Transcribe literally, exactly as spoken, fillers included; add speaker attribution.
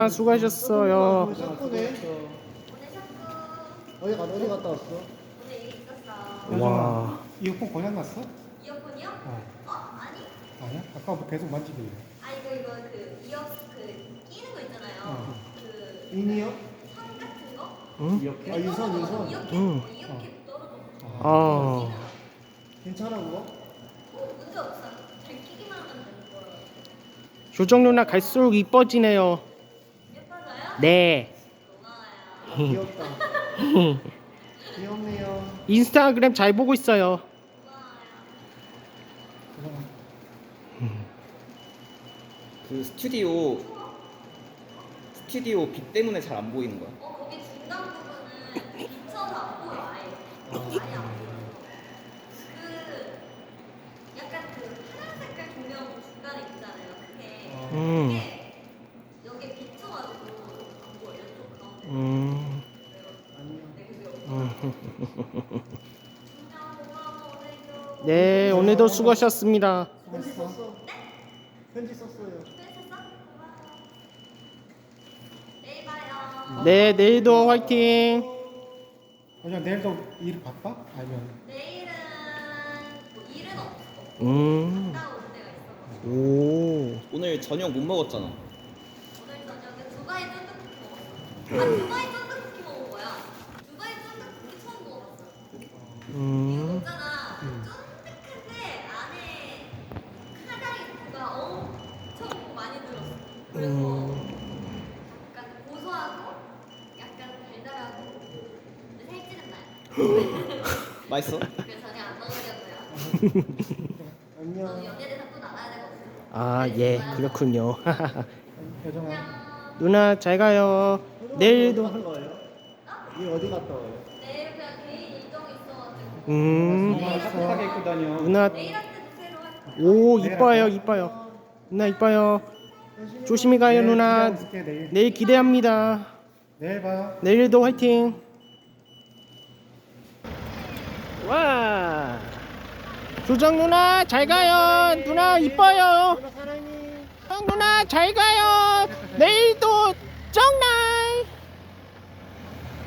Speaker 1: 아, 수고하셨어요.
Speaker 2: 샤프네. 어디 가 어디 갔다 왔어?
Speaker 3: 오늘 일 있었어.
Speaker 1: 와.
Speaker 4: 이어폰 고장 났어?
Speaker 3: 이어폰이요?
Speaker 4: 어.
Speaker 3: 어? 아니?
Speaker 4: 아니야? 아까 뭐 계속 만지길래.
Speaker 3: 아 이거 이거 그 이어 그 끼는 거 있잖아요.
Speaker 4: 어.
Speaker 3: 그
Speaker 2: 인이요?
Speaker 3: 선 같은 거?
Speaker 1: 응?
Speaker 2: 아 유선 유선.
Speaker 3: 이어캡
Speaker 1: 응.
Speaker 3: 이어캡 떨어졌어.
Speaker 1: 아.
Speaker 2: 괜찮아 그거?
Speaker 3: 어 문제 없어. 잘 끼기만 하면 되는 거예요.
Speaker 1: 조정 누나 갈수록 이뻐지네요.
Speaker 3: 예뻐져요?
Speaker 1: 네.
Speaker 3: 고마워요.
Speaker 2: 귀엽다. 귀엽네요.
Speaker 1: 인스타그램 잘 보고 있어요.
Speaker 3: 고마워요.
Speaker 5: 그 스튜디오 스튜디오 빛 때문에 잘 안 보이는 거야.
Speaker 3: 어 거기 중간 부분은 비쳐서 안 보여 아예. 아예 안 보여. 그 약간 그 파란 색깔 조명 중간에 있잖아요. 그게
Speaker 1: 음.
Speaker 3: 그게 여기 비쳐가지고 안 보여. 이쪽 가운데.
Speaker 1: 음.
Speaker 2: 안녕.
Speaker 1: 네, 오늘도 수고하셨습니다.
Speaker 2: 편지 썼어. 편지 썼어요.
Speaker 3: 내일 봐요.
Speaker 1: 네, 내일도 화이팅.
Speaker 4: 그냥 내일도 일 바빠? 아니면
Speaker 3: 내일은 뭐 일은 없어.
Speaker 1: 음.
Speaker 3: 갔다 올 때가 있어.
Speaker 1: 오.
Speaker 5: 오늘 저녁 못 먹었잖아.
Speaker 3: 오늘 저녁에 두바이 쫀득쿠키 먹었어. 아 두바이 쫀득쿠키 먹은 거야. 두바이 쫀득쿠키 처음 먹어봤어. 이거
Speaker 1: 음.
Speaker 3: 있잖아. 쫀득한데 안에 카다리가 엄청 많이 들었어. 그래서
Speaker 1: 음.
Speaker 3: 약간 고소하고 약간 달달하고 근데 살찌는 나요.
Speaker 5: 맛있어?
Speaker 3: 그래서 전혀 안 먹으려고요. 저는
Speaker 2: 안녕.
Speaker 3: 연예대상 또 나가야 되거든요.
Speaker 1: 아, 예, 그렇군요.
Speaker 4: 여정아
Speaker 3: 안녕.
Speaker 1: 누나 잘 가요. 내일도.
Speaker 2: 어디 갔다 와요? 일 어디 갔다 와요?
Speaker 3: 내일 그냥 개인 일정이 있어가지고
Speaker 1: 음.
Speaker 4: 엄마 따뜻하게 입고 다녀.
Speaker 1: 누나.
Speaker 3: 내일한테도 새로 할 거야.
Speaker 1: 오, 이뻐요, 이뻐요. 누나 이뻐요. 조심히 가요, 누나.
Speaker 4: 내일 내일.
Speaker 1: 내일 기대합니다.
Speaker 4: 내일 봐.
Speaker 1: 내일도 화이팅. 와. 조정 누나 잘 가요. 누나 이뻐요.
Speaker 2: 누나 사랑해.
Speaker 1: 형 누나 잘 가요. 내일도 정나.